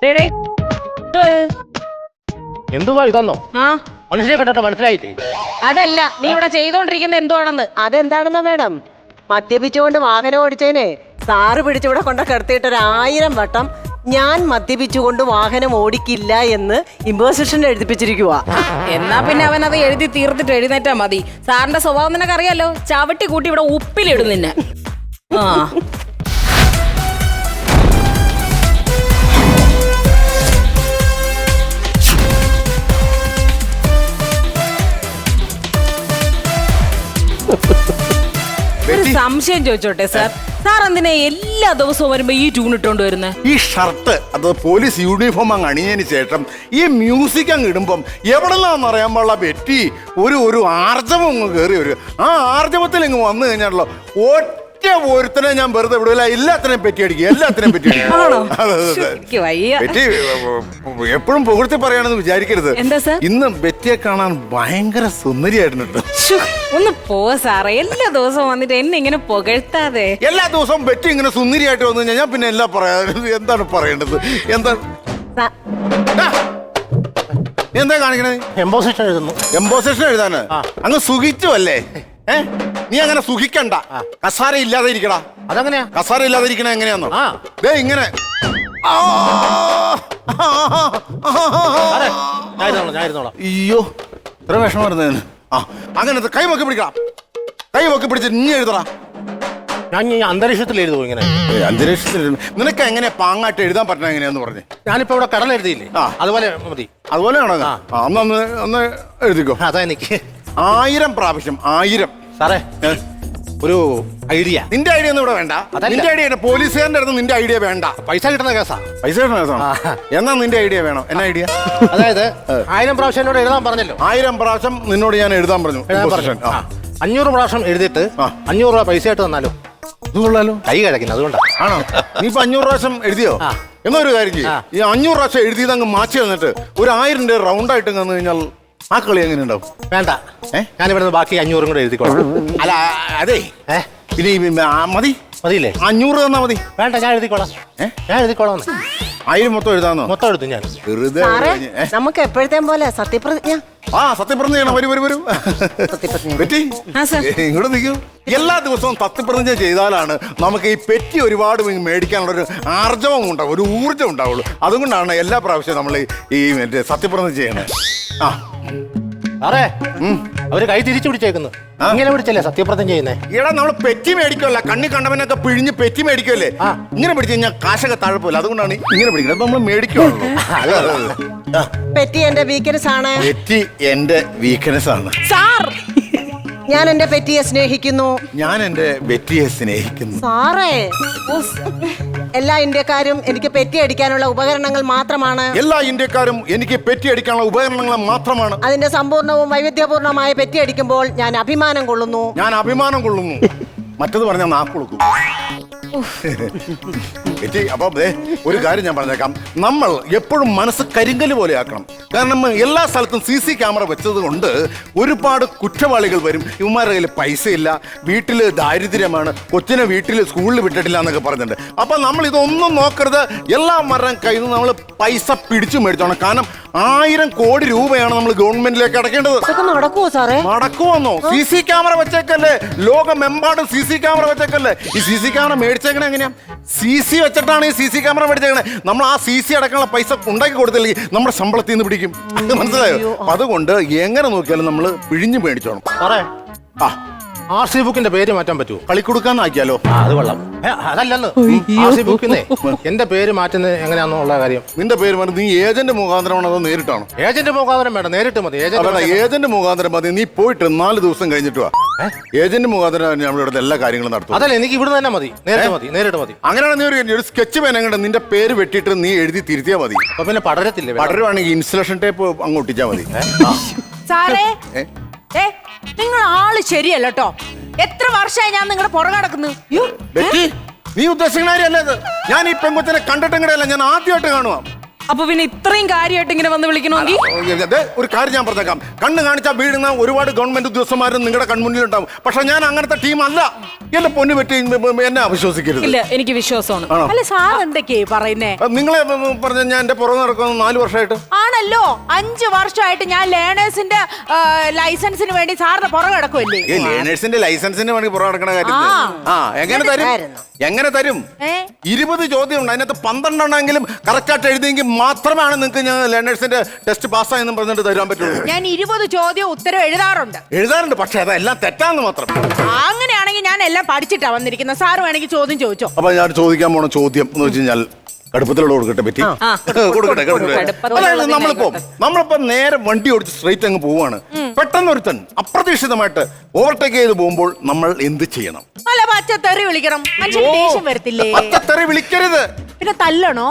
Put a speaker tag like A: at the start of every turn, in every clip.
A: എന്തുവാ ഇതൊന്നോ മനുഷ്യനെ കണ്ടിട്ട് മനസ്സിലായില്ലേ?
B: അതല്ല നീ ഇവിടെ ചെയ്തോണ്ടിരിക്കുന്ന എന്തുവാണെന്ന്.
C: അതെന്താണെന്നോ മാഡം, മദ്യപിച്ചുകൊണ്ട് വാഹനം ഓടിച്ചതിനെ സാറ് പിടിച്ചിവിടെ കൊണ്ട് കിടത്തിയിട്ട് 1000 വട്ടം ഞാൻ മദ്യപിച്ചുകൊണ്ട് വാഹനം ഓടിക്കില്ല എന്ന് ഇമ്പോസിഷൻ എഴുതിപ്പിച്ചിരിക്കുക.
B: എന്നാ പിന്നെ അവൻ അത് എഴുതി തീർത്തിട്ട് എഴുന്നേറ്റാ മതി. സാറിന്റെ സ്വഭാവം നിനക്ക് അറിയാലോ, ചവിട്ടി കൂട്ടി ഇവിടെ ഉപ്പിലിടും നിന്നെ. ആ ഒരു സംശയം ചോദിച്ചോട്ടെ സാർ, സാർ എന്തിനാ എല്ലാ ദിവസവും വരുമ്പോ ഈ ട്യൂൺ ഇട്ടോണ്ട് വരുന്നത്?
D: ഈ ഷർട്ട് അത് പോലീസ് യൂണിഫോം അങ്ങ് അണിഞ്ഞതിന് ശേഷം ഈ മ്യൂസിക് അങ്ങ് ഇടുമ്പം എവിടെല്ലാന്ന് അറിയാൻ പാടില്ല പറ്റി ഒരു ആർജവം അങ്ങ് കയറി വരും. ആ ആർജവത്തിൽ ഇങ്ങ് വന്നു കഴിഞ്ഞാണല്ലോ ഒറ്റ ഒരുത്തനെ ഞാൻ വെറുതെ വിടില്ല, എല്ലാത്തിനെയും പറ്റി അടിക്കും, എല്ലാത്തിനെയും പറ്റി അടിക്കും. ബെറ്റി എപ്പോഴും പുകഴ്ത്തി പറയാണെന്ന് വിചാരിക്കരുത്.
B: എന്താ സാർ?
D: ഇന്ന് ബെറ്റിയെ കാണാൻ ഭയങ്കര സുന്ദരിയായിട്ടുണ്ട്.
B: ഒന്ന് പോ സാറേ, എല്ലാ ദിവസവും വന്നിട്ട് എന്നെ ഇങ്ങനെ പുകഴ്ത്താതെ.
D: എല്ലാ ദിവസവും ബെറ്റി ഇങ്ങനെ സുന്ദരിയായിട്ട് വന്നു കഴിഞ്ഞാൽ ഞാൻ പിന്നെ എല്ലാം പറയാ. എന്താണ് പറയേണ്ടത്? എന്താ കാണിക്കണേ?
A: എംബോസിഷൻ എഴുതുന്നു.
D: എംബോസിഷൻ എഴുതാന് അങ്ങ് സുഖിച്ചു അല്ലേ? നീ അങ്ങനെ സുഖിക്കണ്ട, കസാര ഇല്ലാതെ ഇരിക്കടാ.
A: അതെങ്ങനെയാ
D: കസാര ഇല്ലാതെ ഇരിക്കണ എങ്ങനെയാന്നോ? ദേ ഇങ്ങനെ അയ്യോ ഇത്ര വിഷമം വരുന്നതിന്. അങ്ങനെ കൈ പൊക്കി പിടിക്കണം, കൈ പൊക്കി പിടിച്ച് നീ എഴുതടാ.
A: ഞാൻ ഈ അന്തരീക്ഷത്തിൽ എഴുതുമോ ഇങ്ങനെ?
D: അന്തരീക്ഷത്തിൽ നിനക്ക് എങ്ങനെ പാങ്ങായിട്ട് എഴുതാൻ പറ്റണ എങ്ങനെയാന്ന് പറഞ്ഞേ?
A: ഞാനിപ്പോ ഇവിടെ കടൽ എഴുതിയില്ലേ, അതുപോലെ മതി.
D: അതുപോലെയാണോ? ഒന്ന് എഴുതിക്കോ.
A: അതാ എനിക്ക്
D: 1000 പ്രാവശ്യം 1000.
A: സാറേ ഒരു ഐഡിയ.
D: നിന്റെ ഐഡിയ ഒന്നും ഇവിടെ വേണ്ട. നിന്റെ ഐഡിയ പോലീസുകാരൻ്റെ അടുത്ത് നിന്റെ ഐഡിയ വേണ്ട.
A: പൈസ കിട്ടുന്ന കേസാ.
D: പൈസ കിട്ടുന്ന കേസാണ്. എന്നാ നിന്റെ ഐഡിയ വേണം. എന്നാ ഐഡിയ?
A: അതായത് 1000 പ്രാവശ്യം എന്നോട് എഴുതാൻ പറഞ്ഞല്ലോ.
D: 1000 പ്രാവശ്യം നിന്നോട് ഞാൻ എഴുതാൻ പറഞ്ഞു.
A: 500 പ്രാവശ്യം എഴുതിയിട്ട് 500 രൂപ പൈസ ആയിട്ട് തന്നാലോ?
D: ഇതുകൊള്ളാലോ.
A: കൈ കിടക്കുന്നു, അതുകൊണ്ടാ.
D: ആണോ? നീ ഇപ്പൊ 500 പ്രാവശ്യം എഴുതിയോ? എന്നാ ഒരു കാര്യം ചെയ്യും, ഈ 500 പ്രാവശ്യം എഴുതിയത് അങ്ങ് മാറ്റി തന്നിട്ട് ഒരു 1000 റൗണ്ട് ആയിട്ട് വന്നു കഴിഞ്ഞാൽ ആ കളി എങ്ങനെ ഉണ്ടാവും?
A: വേണ്ട, ഞാനിവിടെ ബാക്കി 500 കൂടെ എഴുതിക്കോളാം.
D: അല്ല അതെ, പിന്നെ മതി
A: മതിയില്ലേ?
D: 500 തന്നാ മതി.
A: വേണ്ട, ഞാൻ എഴുതിക്കോളാം. ഞാൻ എഴുതിക്കോളാം.
D: 1000 മൊത്തം എഴുതാന്നോ?
A: മൊത്തം എഴുതും ഞാൻ.
D: വെറുതെ
C: നമുക്ക് എപ്പോഴത്തേം പോലെ സത്യപ്രതിജ്ഞ.
D: സത്യപ്രതിജ്ഞ ചെയ്യണം. വരും പെറ്റി ഇങ്ങോട്ട് നിൽക്കൂ. എല്ലാ ദിവസവും സത്യപ്രതിജ്ഞ ചെയ്താലാണ് നമുക്ക് ഈ പെറ്റി ഒരുപാട് മേടിക്കാനുള്ളൊരു ആർജവം ഉണ്ടാവും, ഒരു ഊർജ്ജം ഉണ്ടാവുള്ളൂ. അതുകൊണ്ടാണ് എല്ലാ പ്രാവശ്യവും നമ്മൾ ഈ മറ്റേ സത്യപ്രതിജ്ഞ ചെയ്യണത്.
A: സാറേ അവര് കൈ തിരിച്ചു പിടിച്ചേക്കുന്നു. ഇങ്ങനെ പിടിച്ചല്ലേ സത്യപ്രതിജ്ഞ ചെയ്യുന്നേ?
D: ഇവിടെ നമ്മൾ പെറ്റി മേടിക്കുമല്ല, കണ്ണി കണ്ടവനൊക്കെ പിഴിഞ്ഞ് പെറ്റി മേടിക്കുമല്ലേ? ഇങ്ങനെ പിടിച്ചു കഴിഞ്ഞാൽ കാശൊക്കെ താഴെപ്പോലെ. അതുകൊണ്ടാണ് ഇങ്ങനെ പിടിക്കുന്നത്. നമ്മൾ മേടിക്കുള്ളൂ.
C: പെറ്റി എന്റെ വീക്ക്നെസ് ആണ്.
D: പെറ്റി എന്റെ വീക്ക്നെസ് ആണ്.
C: സാർ, ഞാൻ എന്റെ പെറ്റിയെ സ്നേഹിക്കുന്നു.
D: ഞാൻ എന്റെ പെറ്റിയെ സ്നേഹിക്കുന്നു.
C: സാറേ, എല്ലാ ഇന്ത്യക്കാരും എനിക്ക് പെറ്റി അടിക്കാനുള്ള ഉപകരണങ്ങൾ മാത്രമാണ്.
D: എല്ലാ ഇന്ത്യക്കാരും എനിക്ക് പെറ്റി അടിക്കാനുള്ള ഉപകരണങ്ങൾ മാത്രമാണ്.
C: അതിന്റെ സമ്പൂർണവും വൈവിധ്യപൂർണമായ പെറ്റി അടിക്കുമ്പോൾ ഞാൻ അഭിമാനം കൊള്ളുന്നു. മറ്റത് പറഞ്ഞാൽ നാക്കുളുക്കും. അപ്പൊ ഒരു കാര്യം ഞാൻ പറഞ്ഞേക്കാം, നമ്മൾ എപ്പോഴും മനസ്സ് കരിങ്കല് പോലെ ആക്കണം. കാരണം എല്ലാ സ്ഥലത്തും CC ക്യാമറ വെച്ചത് കൊണ്ട് ഒരുപാട് കുറ്റവാളികൾ വരും. ഇവന്മാരുടെ കയ്യിൽ പൈസ ഇല്ല, വീട്ടിൽ ദാരിദ്ര്യമാണ്, കൊച്ചിനെ വീട്ടിൽ സ്കൂളിൽ വിട്ടിട്ടില്ല എന്നൊക്കെ പറഞ്ഞിട്ടുണ്ട്. അപ്പൊ നമ്മൾ ഇതൊന്നും നോക്കരുത്. എല്ലാവരുടെയും കയ്യിൽ നിന്ന് നമ്മൾ പൈസ പിടിച്ചു മേടിച്ചോണം. കാരണം 1000 കോടി രൂപയാണ് നമ്മൾ ഗവൺമെന്റിലേക്ക് അടക്കേണ്ടത്. നടക്കുമോ സാറേ?
D: നടക്കുമെന്നോ? CC ക്യാമറ വെച്ചേക്കല്ലേ, ലോകമെമ്പാടും CC ക്യാമറ വെച്ചേക്കല്ലേ. ഈ CC ക്യാമറ മേടിച്ചേക്കണേ എങ്ങനെയാ? CC വെച്ചിട്ടാണ് ഈ CC ക്യാമറ മേടിച്ചേക്കണേ. നമ്മൾ ആ CC അടക്കാനുള്ള പൈസ ഉണ്ടാക്കി കൊടുത്തില്ലെങ്കിൽ നമ്മുടെ ശമ്പളത്തിൽ നിന്ന് പിടിക്കും. മനസ്സിലായോ? അതുകൊണ്ട് എങ്ങനെ നോക്കിയാലും നമ്മൾ പിഴിഞ്ഞു മേടിച്ചോണം.
A: സാറേ RC ബുക്കിന്റെ പേര് മാറ്റാൻ പറ്റുമോ?
D: കളിക്കൊടുക്കാന്നാക്കിയാലോ?
A: അത് കൊള്ളാം. അതല്ലെന്ന്, RC ബുക്കിന്നേ എന്റെ പേര് മാറ്റുന്നത് എങ്ങനെയാണെന്നുള്ള കാര്യം.
D: നിന്റെ പേര് മാറ്റി നീ ഏജന്റ് മുഖാന്തരമാണോ അതോ നേരിട്ടാണോ?
A: ഏജന്റ് മുഖാന്തരം വേണ്ട, നേരിട്ട് മതി.
D: ഏജന്റ് മുഖാന്തരം മതി. നീ പോയിട്ട് 4 ദിവസം കഴിഞ്ഞിട്ട് വാ. ഏജന്റ് മുഖാന്തരം നമ്മളിവിടെ എല്ലാ കാര്യങ്ങളും നടത്തും.
A: അതല്ല, എനിക്ക് ഇവിടെ തന്നെ മതി. നേരിട്ട് മതി.
D: അങ്ങനെയാണ് നീ ഒരു സ്കെച്ച് പേന കണ്ട നിന്റെ പേര് വെട്ടിയിട്ട് നീ എഴുതി തിരുത്തിയാ മതി.
A: അപ്പൊ പിന്നെ പടരത്തില്ലേ?
D: പടരുവാണെങ്കിൽ ഇൻസുലേഷൻ ടേപ്പ് അങ്ങ് ഒട്ടിച്ചാ മതി.
B: സാറേ, നിങ്ങൾ ആള് ശരിയല്ല കേട്ടോ. എത്ര വർഷമായി ഞാൻ നിങ്ങളുടെ പുറകെ നടക്കുന്നു.
D: നീ ഉദ്ദേശിക്കണല്ലേ? ഞാൻ ഈ പെൺകൊച്ചിനെ കണ്ടിട്ടെങ്കിലല്ല, ഞാൻ ആദ്യമായിട്ട് കാണുവാ.
B: അപ്പൊ പിന്നെ ഇത്രയും കാര്യമായിട്ട് ഇങ്ങനെ വന്ന് വിളിക്കണമെങ്കിൽ
C: അതെ, ഒരു കാര്യം ഞാൻ പറഞ്ഞേക്കാം. കണ്ണ് കാണിച്ചാൽ വീഴുന്ന ഒരുപാട് ഗവൺമെന്റ് ഉദ്യോഗസ്ഥന്മാരും നിങ്ങളുടെ കൺമുന്നിൽ ഉണ്ടാവും. പക്ഷെ ഞാൻ അങ്ങനത്തെ ടീം അല്ല. എന്റെ പൊന്നു പറ്റി എന്നെ അവിശ്വസിക്കരുത്.
B: ഇല്ല, എനിക്ക് വിശ്വാസമാണ്.
C: ആണോ?
E: അല്ല സാർ എന്തൊക്കെയാ പറയുന്നേ?
C: നിങ്ങളെ പറഞ്ഞ ഞാൻ എന്റെ പുറകെ നടക്കുന്ന 4 വർഷമായിട്ട്.
E: ആണല്ലോ, 5 വർഷമായിട്ട് ഞാൻ ലേണേഴ്സിന്റെ ലൈസൻസിന് വേണ്ടി സാറിന്റെ പുറകെ കിടക്കുമല്ലേ?
C: ലേണേഴ്സിന്റെ ലൈസൻസിന് വേണ്ടി പുറകെ നടക്കണ കാര്യത്തിൽ എങ്ങനെ തരും? എങ്ങനെ തരും? 20 ചോദ്യം ഉണ്ട്, അതിനകത്ത് 12 എണ്ണമെങ്കിലും കറക്റ്റ് ആയിട്ട് എഴുതിയെങ്കിൽ മാത്രമാണ് നിങ്ങൾക്ക് ഞാൻ ലേണേഴ്സിന്റെ ടെസ്റ്റ് പാസ്സായെന്നും പറഞ്ഞിട്ട് തരാൻ പറ്റുള്ളൂ.
E: ഞാൻ 20 ചോദ്യം ഉത്തരം
C: എഴുതാറുണ്ട്, പക്ഷെ അതെല്ലാം തെറ്റാന്ന് മാത്രം.
E: അങ്ങനെയാണെങ്കിൽ ഞാൻ എല്ലാം പഠിച്ചിട്ടാ വന്നിരിക്കുന്നത്. സാർ വേണമെങ്കിൽ ചോദ്യം ചോദിച്ചോ.
C: അപ്പൊ ഞാൻ ചോദിക്കാൻ പോണ ചോദ്യം എന്ന് വെച്ച് കഴിഞ്ഞാൽ കടുപ്പത്തിലുള്ള കൊടുക്കട്ടെ പറ്റി കൊടുക്കട്ടെ. അതായത് നമ്മളിപ്പോ നേരെ വണ്ടി ഓടിച്ച് സ്ട്രൈറ്റ് അങ്ങ് പോവാണ്. പെട്ടെന്ന് ഒരുത്തൻ അപ്രതീക്ഷിതമായിട്ട് ഓവർടേക്ക് ചെയ്ത് പോകുമ്പോൾ നമ്മൾ എന്ത് ചെയ്യണം?
E: അല്ല, പച്ചത്തെറി വിളിക്കണം. മനുഷ്യൻ ദേഷ്യം വരത്തില്ലേ?
C: പച്ചത്തെറി വിളിക്കരുത്.
E: പിന്നെ തല്ലണോ?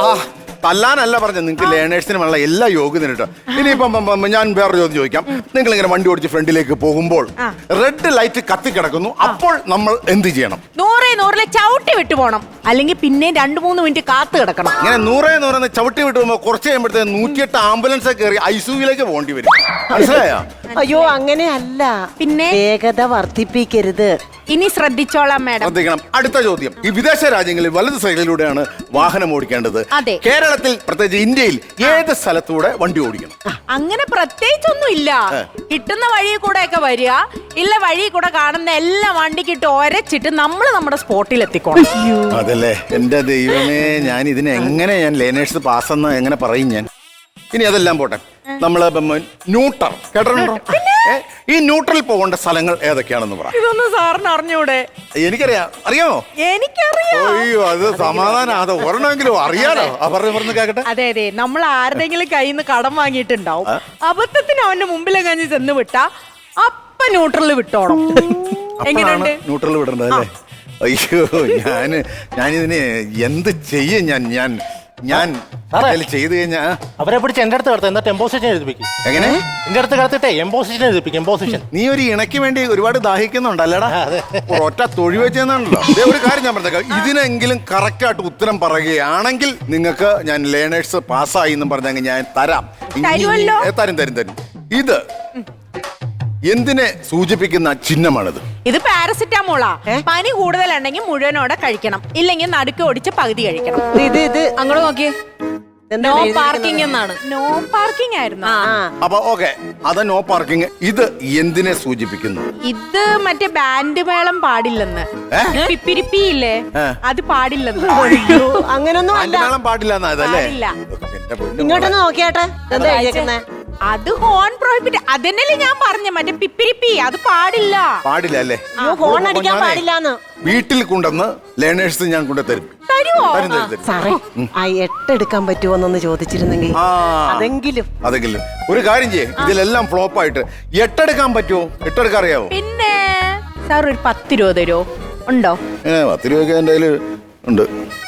C: തല്ലാനല്ല പറഞ്ഞത്, നിങ്ങൾക്ക് ലേണേഴ്സിന് വേണ്ട എല്ലാ യോഗ്യതയും കേട്ടോ. ഇനിയിപ്പം ഞാൻ വേറെ ചോദ്യം ചോദിക്കാം. നിങ്ങൾ ഇങ്ങനെ വണ്ടി ഓടിച്ച് ഫ്രണ്ടിലേക്ക് പോകുമ്പോൾ റെഡ് ലൈറ്റ് കത്തി കിടക്കുന്നു, അപ്പോൾ നമ്മൾ എന്ത് ചെയ്യണം?
E: 100 ചവിട്ടി വിട്ടു പോണം, അല്ലെങ്കിൽ പിന്നെ 2-3 മിനിറ്റ് കാത്തു കിടക്കണം.
C: ഇങ്ങനെ 100 ചവിട്ടി വിട്ട് പോകുമ്പോൾ കുറച്ച് കഴിയുമ്പോഴത്തേക്ക് 108 ആംബുലൻസ് കയറി ഐസിയുവിലേക്ക് പോകേണ്ടി വരും. മനസ്സിലായോ?
F: അയ്യോ, അങ്ങനെയല്ല.
E: പിന്നെ
F: വേഗത വർദ്ധിപ്പിക്കരുത്.
E: ഇനി ശ്രദ്ധിച്ചോളാം മാഡം.
C: ശ്രദ്ധിക്കണം. അടുത്ത ചോദ്യം. ഈ വിദേശ രാജ്യങ്ങളിൽ വലത് സൈഡിലൂടെയാണ് വാഹനം ഓടിക്കേണ്ടത്.
E: അതെ.
C: കേരളത്തിൽ പ്രത്യേകിച്ച് ഇന്ത്യയിൽ ഏത് സ്ഥലത്തൂടെ വണ്ടി ഓടിക്കണം?
E: അങ്ങനെ പ്രത്യേകിച്ചൊന്നും ഇല്ല. കിട്ടുന്ന വഴി കൂടെ ഒക്കെ വരിക, ഇല്ല വഴി കൂടെ കാണുന്ന എല്ലാ വണ്ടിക്കിട്ട് ഒരച്ചിട്ട് നമ്മൾ നമ്മുടെ സ്പോട്ടിൽ എത്തിക്കോണം.
C: അതല്ലേ എന്റെ ദൈവമേ, ഞാൻ ഇതിനെ എങ്ങനെ ഞാൻ ലേണേഴ്സ് പാസ്സെന്ന് എങ്ങനെ പറയും ഞാൻ? ഇനി അതെല്ലാം പോട്ടെ, നമ്മള് ന്യൂട്രൽ കേട്ടിട്ടുണ്ടോ? ഈ ന്യൂട്രൽ പോകേണ്ട സ്ഥലങ്ങൾ ഏതൊക്കെയാണെന്ന് പറ.
E: ഇതൊന്നും സാറിന് അറിഞ്ഞൂടെ?
C: അറിയാമോ?
E: എനിക്കറിയാം.
C: അയ്യോ, അത് സമാധാനം. അത് ഒരെണ്ണമെങ്കിലും അറിയാലോ. പറഞ്ഞു കേക്കട്ടെ.
E: അതെ, നമ്മൾ ആരുടെങ്കിലും കയ്യിൽ നിന്ന് കടം വാങ്ങിയിട്ടുണ്ടാവും. അബദ്ധത്തിന് അവന്റെ മുമ്പിലെങ്ങാഞ്ഞ് ചെന്ന് വിട്ടാ അപ്പ ന്യൂട്രൽ വിട്ടോണം. എങ്ങനെയുണ്ട്?
C: ന്യൂട്രൽ വിടേണ്ടത് അല്ലേ? അയ്യോ, ഞാനിതിന് എന്ത് ചെയ്യും? ഞാൻ ചെയ്ത് കഴിഞ്ഞാ
A: അവരെ പിടിച്ച് എന്റെ അടുത്ത് കിടത്ത എന്നിട്ട് എംപോസിഷൻ എഴുതിപ്പിക്കും.
C: എങ്ങനെ?
A: എന്റെ അടുത്ത് കിടത്തിട്ടെ എംപോസിഷൻ എഴുതിപ്പിക്കും. എംപോസിഷൻ.
C: നീ ഒരു ഇണയ്ക്ക് വേണ്ടി ഒരുപാട് ദാഹിക്കുന്നുണ്ടല്ലേടാ? ഒറ്റ തൊഴി വെച്ചെന്നാണല്ലോ. ഒരു കാര്യം ഞാൻ പറഞ്ഞേക്കാം, ഇതിനെങ്കിലും കറക്റ്റ് ആയിട്ട് ഉത്തരം പറയുകയാണെങ്കിൽ നിങ്ങൾക്ക് ഞാൻ ലേണേഴ്സ് പാസ്സായി എന്നും പറഞ്ഞെങ്കിൽ ഞാൻ തരാം. തരും. ഇത് എന്തിനെ സൂചിപ്പിക്കുന്ന ചിഹ്നമാണിത്?
E: ഇത് പാരസിറ്റാമോളാ. പനി കൂടുതലുണ്ടെങ്കിൽ മുഴുവനോടെ കഴിക്കണം, ഇല്ലെങ്കിൽ നടുക്ക് ഓടിച്ച് പകുതി കഴിക്കണം.
F: ഇത്
B: അങ്ങോട്ട് നോക്കിയേ. നോ പാർക്കിംഗ് എന്നാണ്.
E: നോ പാർക്കിംഗ് ആയിരുന്നു.
C: അപ്പൊ ഓക്കെ, അത് നോ പാർക്കിംഗ്. ഇത് എന്തിനെ സൂചിപ്പിക്കുന്നു?
E: ഇത് മറ്റേ ബാൻഡ് മേളം പാടില്ലെന്ന്. പിപ്പിരിപ്പി ഇല്ലേ, അത് പാടില്ലെന്ന്.
F: അങ്ങനൊന്നും അല്ല.
C: മേളം പാടില്ല എന്നാ ഇതല്ലേ?
E: പാടില്ല.
F: ഇങ്ങോട്ടൊന്ന് നോക്കിയാട്ടെ, എന്താ എഴുതിയേക്കുന്നെ?
E: അത് ഹോൺ പ്രോഹിബിറ്റ്. അതന്നല്ലേ ഞാൻ പറഞ്ഞ, മറ്റേ പിപ്പിരിപ്പി അത് പാടില്ല.
C: പാടില്ല അല്ലേ?
F: അയ്യോ, ഹോൺ അടിക്കാൻ പാടില്ലാന്ന്.
C: വീട്ടിൽ കൊണ്ടുവന്ന് ലേണേഴ്സ് ഞാൻ കൊണ്ടുതരും.
E: തരുവോ?
F: സാറേ, ആ 8 എടുക്കാൻ പറ്റുമോന്നൊന്ന് ചോദിച്ചിരുന്നെങ്കിൽ അതെങ്കിലും.
C: ഒരു കാര്യം ചെയ്യേ, ഇതിലെല്ലാം ഫ്ലോപ്പ് ആയിട്ട് 8 എടുക്കാൻ പറ്റുമോ? 8 എടുക്കാൻ അറിയാവോ?
E: പിന്നെ സാർ ഒരു 10 രൂപ തരുമോ? ഉണ്ടോ?
C: 10 രൂപ എന്റെ കയ്യില് ഉണ്ട്.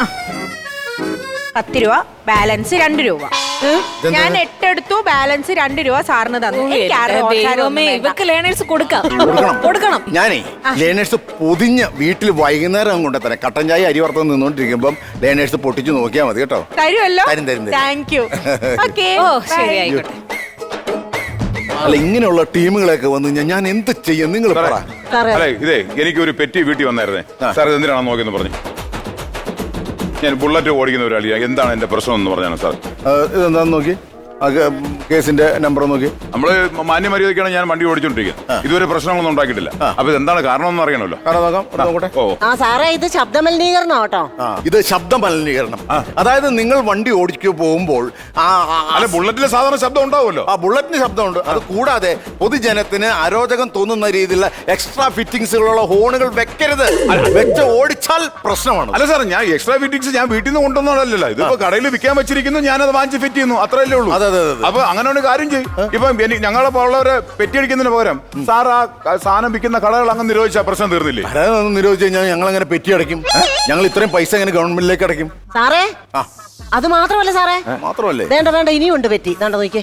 E: 10 രൂപ, ബാലൻസ് 2 രൂപ. ഞാൻ 8 എടുത്തു, ബാലൻസ് 2 രൂപ സാറിന് തന്നു.
B: ഇവക്ക് ലേണേഴ്സ് കൊടുക്കണം.
C: ഞാനേ ലേണേഴ്സ് പൊതിഞ്ഞ് വീട്ടിൽ വൈകുന്നേരം കൊണ്ടുതരാം. കട്ടൻ ചായ അരി വറുത്ത് നിന്നോണ്ടിരിക്കുമ്പം ലേണേഴ്സ് പൊട്ടിച്ച് നോക്കിയാൽ മതി കേട്ടോ.
E: തരുമല്ലോ?
C: തരും.
E: Thank you. ഓക്കെ,
B: ശരി, ആയിക്കോട്ടെ.
C: അല്ല, ഇങ്ങനെയുള്ള ടീമുകളൊക്കെ വന്ന് ഞാൻ എന്ത് ചെയ്യും? നിങ്ങൾ പറ.
G: അല്ലെ, ഇതേ എനിക്കൊരു പെറ്റി വീട്ടിൽ വന്നായിരുന്നേ സാർ. ഇത് എന്തിനാണ് നോക്കിയെന്ന് പറഞ്ഞു. ഞാൻ ബുള്ളറ്റ് ഓടിക്കുന്ന ഒരാളിയാ. എന്താണ് എന്റെ പ്രശ്നം എന്ന് പറഞ്ഞാണ് സാർ.
C: ഇതെന്താന്ന് നോക്കി, കേസിന്റെ നമ്പർ നോക്കി.
G: നമ്മള് മാന്യമര്യാദക്കാണ് ഞാൻ വണ്ടി ഓടിച്ചോണ്ടിരിക്കുന്നത്. ഇതുവരെ പ്രശ്നങ്ങളൊന്നും ഉണ്ടാക്കിയിട്ടില്ല. അപ്പൊ എന്താണ് കാരണം എന്ന് അറിയണമല്ലോ.
F: ആ സാറേ, ഇത് ശബ്ദ മലിനീകരണം കേട്ടോ.
C: ഇത് ശബ്ദ മലിനീകരണം. അതായത് നിങ്ങൾ വണ്ടി ഓടിച്ചു പോകുമ്പോൾ
G: അല്ല, ബുള്ളറ്റിലെ സാധാരണ ശബ്ദം ഉണ്ടാവുമല്ലോ.
C: ആ ബുള്ളറ്റിന് ശബ്ദമുണ്ട്. അത് കൂടാതെ പൊതുജനത്തിന് അരോചകം തോന്നുന്ന രീതിയിലുള്ള എക്സ്ട്രാ ഫിറ്റിംഗ്സുകളുള്ള ഹോണുകൾ വെക്കരുത്. വെച്ച് ഓടിച്ചാൽ പ്രശ്നമാണ്.
G: അല്ല സാർ, ഞാൻ എക്സ്ട്രാ ഫിറ്റിംഗ്സ് ഞാൻ വീട്ടിൽ നിന്ന് കൊണ്ടുവന്നതല്ലല്ലോ. ഇതിപ്പോ കടയിൽ വിൽക്കാൻ വെച്ചിരിക്കുന്നു, ഞാനത് വാങ്ങിച്ച് ഫിറ്റ് ചെയ്യുന്നു, അത്രയല്ലേ ഉള്ളൂ. അപ്പൊ അങ്ങനെ ഒരു കാര്യം ചെയ്യും. ഇപ്പൊ ഞങ്ങളെ ഉള്ളവരെ പെറ്റിയടിക്കുന്നതിന് പകരം സാർ ആ സാധനം വിൽക്കുന്ന കടകൾ അങ്ങ് നിരോധിച്ചാൽ പ്രശ്നം തീർന്നില്ലേ?
C: നിരോധിച്ചു കഴിഞ്ഞാൽ ഞങ്ങൾ അങ്ങനെ പെറ്റി അടയ്ക്കും. ഞങ്ങൾ ഇത്രയും പൈസ എങ്ങനെ ഗവൺമെന്റിലേക്ക് അടയ്ക്കും?
F: സാറേ, അത് മാത്രമല്ല സാറേ.
C: മാത്രമല്ലേ?
F: വേണ്ട, ഇനിയും ഉണ്ട് പെറ്റി. നോക്കിയേ,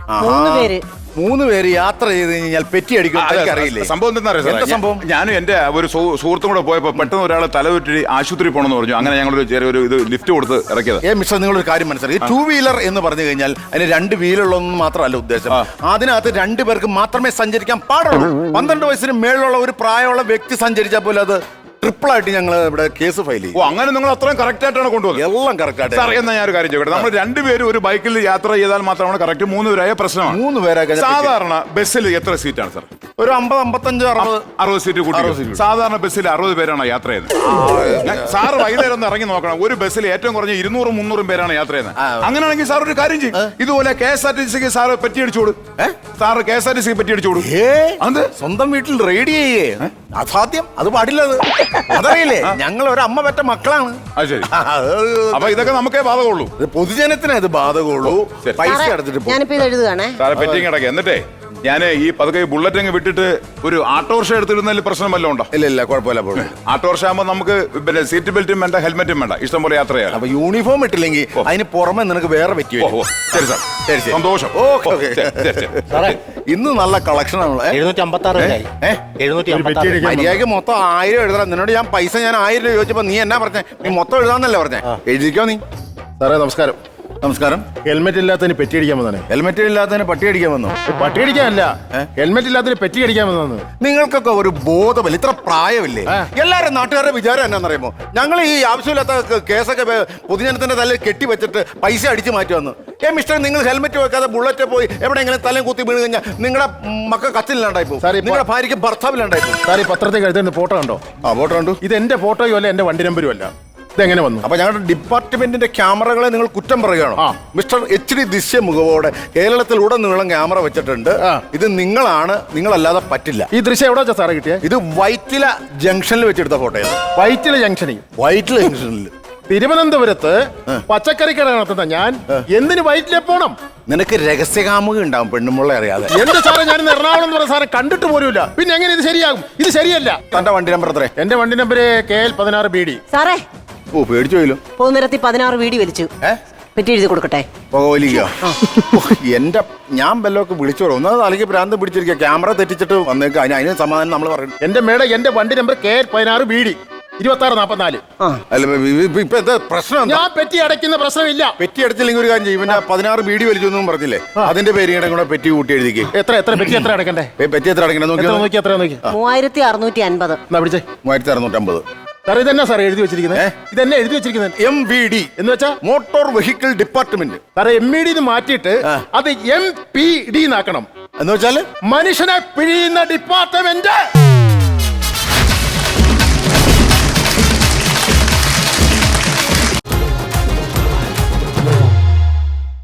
F: 3 പേര്
C: 3 പേര് യാത്ര ചെയ്ത് കഴിഞ്ഞാൽ പെറ്റി അടിക്കും അറിയില്ലേ?
G: സംഭവം എന്താ
C: എന്താ സംഭവം?
G: ഞാനും എന്റെ ഒരു സുഹൃത്തും കൂടെ പോയപ്പോ പെട്ടെന്ന് ഒരാൾ തലവെറ്റി ആശുപത്രി പോകണമെന്ന് പറഞ്ഞു. അങ്ങനെ ഞങ്ങളൊരു ചെറിയൊരു ഇത് ലിഫ്റ്റ് കൊടുത്ത് ഇറക്കിയത്.
C: മിസ്റ്റർ, നിങ്ങളൊരു കാര്യം മനസ്സിലാക്കി, 2 വീലർ എന്ന് പറഞ്ഞു കഴിഞ്ഞാൽ അതിന് 2 വീലുള്ളൊന്നും മാത്രമല്ല ഉദ്ദേശം. അതിനകത്ത് 2 പേർക്ക് മാത്രമേ സഞ്ചരിക്കാൻ പാടുള്ളൂ. 12 വയസ്സിന് മേളിലുള്ള ഒരു പ്രായമുള്ള വ്യക്തി സഞ്ചരിച്ചാൽ പോലും അത് ട്രിപ്പിൾ ആയിട്ട് ഞങ്ങൾ ഇവിടെ കേസ് ഫയൽ ചെയ്യും.
G: അങ്ങനെ നിങ്ങൾ അത്രയും കറക്റ്റ് ആയിട്ടാണ് കൊണ്ടുപോകുന്നത്?
C: എല്ലാം കറക്റ്റ് ആയിട്ട്.
G: സാർ, എന്നാ ഞാൻ ഒരു കാര്യം ചോദിക്കട്ടെ, നമ്മൾ 2 പേരും ഒരു ബൈക്കിൽ യാത്ര ചെയ്താൽ മാത്രമാണ് കറക്റ്റ് 3 പേരായ പ്രശ്നമാണ്.
C: 3 പേരൊക്കെ
G: സാധാരണ ബസ്സിൽ എത്ര സീറ്റാണ് സാർ?
C: ഒരു 50, 55,
G: 60 സീറ്റ് കൂട്ടി. സാധാരണ ബസ്സിൽ 60 പേരാണ് യാത്ര ചെയ്യുന്നത്. സാറ് വൈകുന്നേരം ഒന്ന് ഇറങ്ങി നോക്കണം, ഒരു ബസ്സിൽ ഏറ്റവും കുറഞ്ഞ 200, 300 പേരാണ് യാത്ര ചെയ്യുന്നത്. അങ്ങനെയാണെങ്കിൽ സാർ ഒരു കാര്യം ചെയ്യും, ഇതുപോലെ KSRTC സാറ് പെറ്റി അടിച്ചോട്. സാറ് KSRTC പെറ്റി അടിച്ചോട്.
C: സ്വന്തം വീട്ടിൽ റെഡി ചെയ്യേ? അസാധ്യം, അത് പാടില്ല. അതറിയില്ലേ, ഞങ്ങൾ ഒരു അമ്മ പെറ്റ മക്കളാണ്.
G: അത് ശരി. അപ്പൊ ഇതൊക്കെ നമുക്കേ ബാധകമുള്ളൂ.
C: പൊതുജനത്തിന് അത് ബാധകമുള്ളൂ. പൈസ എടുത്തിട്ട്
F: ഞാനിപ്പോ ഇത് എഴുതുകയാണേ.
G: സാറെ പെറ്റി കിടക്കുക. എന്നിട്ടേ ഞാൻ ഈ പതുക്കെ ബുള്ളറ്റ് അങ്ങ് വിട്ടിട്ട് ഒരു ഓട്ടോറിക്ഷ എടുത്തിരുന്നതിൽ പ്രശ്നം വല്ലതും ഉണ്ടോ?
C: ഇല്ല, കുഴപ്പമില്ല.
G: ഓട്ടോറിക്ഷ ആകുമ്പോൾ നമുക്ക് പിന്നെ സീറ്റ് ബെൽറ്റും വേണ്ട, ഹെൽമെറ്റും വേണ്ട, ഇഷ്ടം പോലെ യാത്ര ചെയ്യാം.
C: അപ്പൊ യൂണിഫോം ഇട്ടില്ലെങ്കിൽ അതിന് പുറമെ നിനക്ക് വേറെ പറ്റി.
G: ശരി സാർ, ശരി, സന്തോഷം.
C: ഇന്ന് നല്ല കളക്ഷൻ ആണല്ലോ.
A: 756
C: മര്യാദക്ക് മൊത്തം 1000 എഴുതണം. നിന്നോട് ഞാൻ പൈസ 1000 രൂപ ചോദിച്ചപ്പോ നീ എന്നാ പറഞ്ഞേ? നീ മൊത്തം എഴുതാന്നല്ലേ പറഞ്ഞേ? എഴുതിക്കോ നീ.
D: സാറേ നമസ്കാരം.
C: നമസ്കാരം.
D: ഹെൽമെറ്റ് ഇല്ലാത്തതിന് പെറ്റി അടിക്കാൻ വന്നാണ്.
C: ഹെൽമെറ്റ് ഇല്ലാത്തതിന് പട്ടി അടിക്കാൻ വന്നു?
D: പട്ടി അടിക്കാനല്ല, ഹെൽമെറ്റ് ഇല്ലാത്തതിന് പെറ്റി അടിക്കാൻ വന്നു.
C: നിങ്ങൾക്കൊക്കെ ഒരു ബോധമില്ല, ഇത്ര പ്രായമില്ലേ? എല്ലാവരും നാട്ടുകാരുടെ വിചാരം എന്നാന്നറിയുമോ? ഞങ്ങൾ ഈ ആവശ്യമില്ലാത്ത കേസൊക്കെ പൊതുജനത്തിന്റെ തലയിൽ കെട്ടിവെച്ചിട്ട് പൈസ അടിച്ചു മാറ്റി വന്നു. മിസ്റ്റർ, നിങ്ങൾ ഹെൽമെറ്റ് വെക്കാതെ ബുള്ളറ്റ് പോയി എവിടെയെങ്കിലും തലയും കുത്തി വീണ് കഴിഞ്ഞാൽ നിങ്ങളുടെ മക്കൾ കച്ചില്ലാണ്ടായി പോകും. നിങ്ങളുടെ ഭാര്യയ്ക്ക് ഭർത്താവില്ലാണ്ടായി പോകും.
D: സാർ, ഈ പത്രത്തിൽ എഴുതുന്ന ഫോട്ടോ കണ്ടോ?
C: ഫോട്ടോ കണ്ടു.
D: ഇത് എന്റെ ഫോട്ടോയും അല്ല, എന്റെ വണ്ടി നമ്പരും അല്ല. ഇതെങ്ങനെ വന്നു?
C: അപ്പൊ ഞങ്ങളുടെ ഡിപ്പാർട്ട്മെന്റിന്റെ ക്യാമറകളെ നിങ്ങൾ കുറ്റം പറയുകയാണോ? മിസ്റ്റർ HD ദൃശ്യ മുഖവോടെ കേരളത്തിൽ ഉടനീളം ക്യാമറ വെച്ചിട്ടുണ്ട്. ഇത് നിങ്ങളാണ്, നിങ്ങളല്ലാതെ പറ്റില്ല.
D: ഈ ദൃശ്യം എവിടെ വെച്ചാ സാറേ കിട്ടിയ?
C: ഇത് വൈറ്റില ജംഗ്ഷനിൽ വെച്ചെടുത്ത ഫോട്ടോയാണ്.
D: വൈറ്റില ജംഗ്ഷനിൽ?
C: വൈറ്റില ജംഗ്ഷനിൽ
D: തിരുവനന്തപുരത്ത് പച്ചക്കറി കട നടത്തുന്ന ഞാൻ എന്തിന് വൈറ്റിലെ പോണം?
C: നിനക്ക് രഹസ്യകാമുക ഉണ്ടാവും പെണ്ണുമുള്ള അറിയാതെ.
D: എന്റെ സാറേ, ഞാൻ എറണാകുളം എന്ന് പറഞ്ഞ സാറെ കണ്ടിട്ട് പോലുമില്ല. പിന്നെ എങ്ങനെ ഇത് ശരിയാകും? ഇത് ശരിയല്ല.
C: തന്റെ വണ്ടി നമ്പർ എത്ര?
D: എന്റെ വണ്ടി നമ്പർ KL 16 BD.
F: സാറേ,
C: പേടിച്ചു പോയല്ലോ.
F: പോകുന്നിടത്ത് 16 വീടി വലിച്ചു. പെറ്റി എഴുതി കൊടുക്കട്ടെ?
C: എന്റെ ഞാൻ വല്ലതൊക്കെ വിളിച്ചോളൂ. ഒന്നാമത് അല്ലെങ്കിൽ ഭ്രാന്ത് പിടിച്ചിരിക്കുക. ക്യാമറ തെറ്റിച്ചിട്ട് വന്നേക്ക്. അതിന് സമാധാനം നമ്മൾ പറയും.
D: എന്റെ മേഡം, എന്റെ വണ്ടി നമ്പർ KL 16 BD 2644.
C: അല്ല, ഇപ്പൊ എന്താ പ്രശ്നം?
D: ഞാൻ പെറ്റി അടയ്ക്കുന്ന പ്രശ്നമില്ല.
C: പെറ്റി അടച്ചില്ലെങ്കിൽ ഒരു കാര്യം ചെയ്യും. പിന്നെ 16 BD വലിച്ചു എന്നും പറഞ്ഞില്ലേ? അതിന്റെ പേര് കൂടെ പെറ്റി കൂട്ടി എഴുതിക്ക്.
D: എത്ര പെറ്റി എത്ര അടക്കണ്ടേ?
C: പെറ്റി എത്ര അടക്കണ്ടേ നോക്കി.
F: 3650.
D: എന്നാ പിടിച്ചേ.
C: 3650.
D: സാർ, ഇതെന്നാ സാർ എഴുതി വെച്ചിരിക്കുന്നത്? ഇതെന്നെ എഴുതി വെച്ചിരിക്കുന്നത്
C: MVD
D: എന്ന് വെച്ചാ
C: മോട്ടോർ വെഹിക്കിൾ ഡിപ്പാർട്ട്മെന്റ്.
D: സാറേ, MED മാറ്റിയിട്ട് അത് MPD എന്നാക്കണം.
C: എന്ന് വെച്ചാല്
D: മനുഷ്യനെ പിഴിയുന്ന ഡിപ്പാർട്ട്മെന്റ്.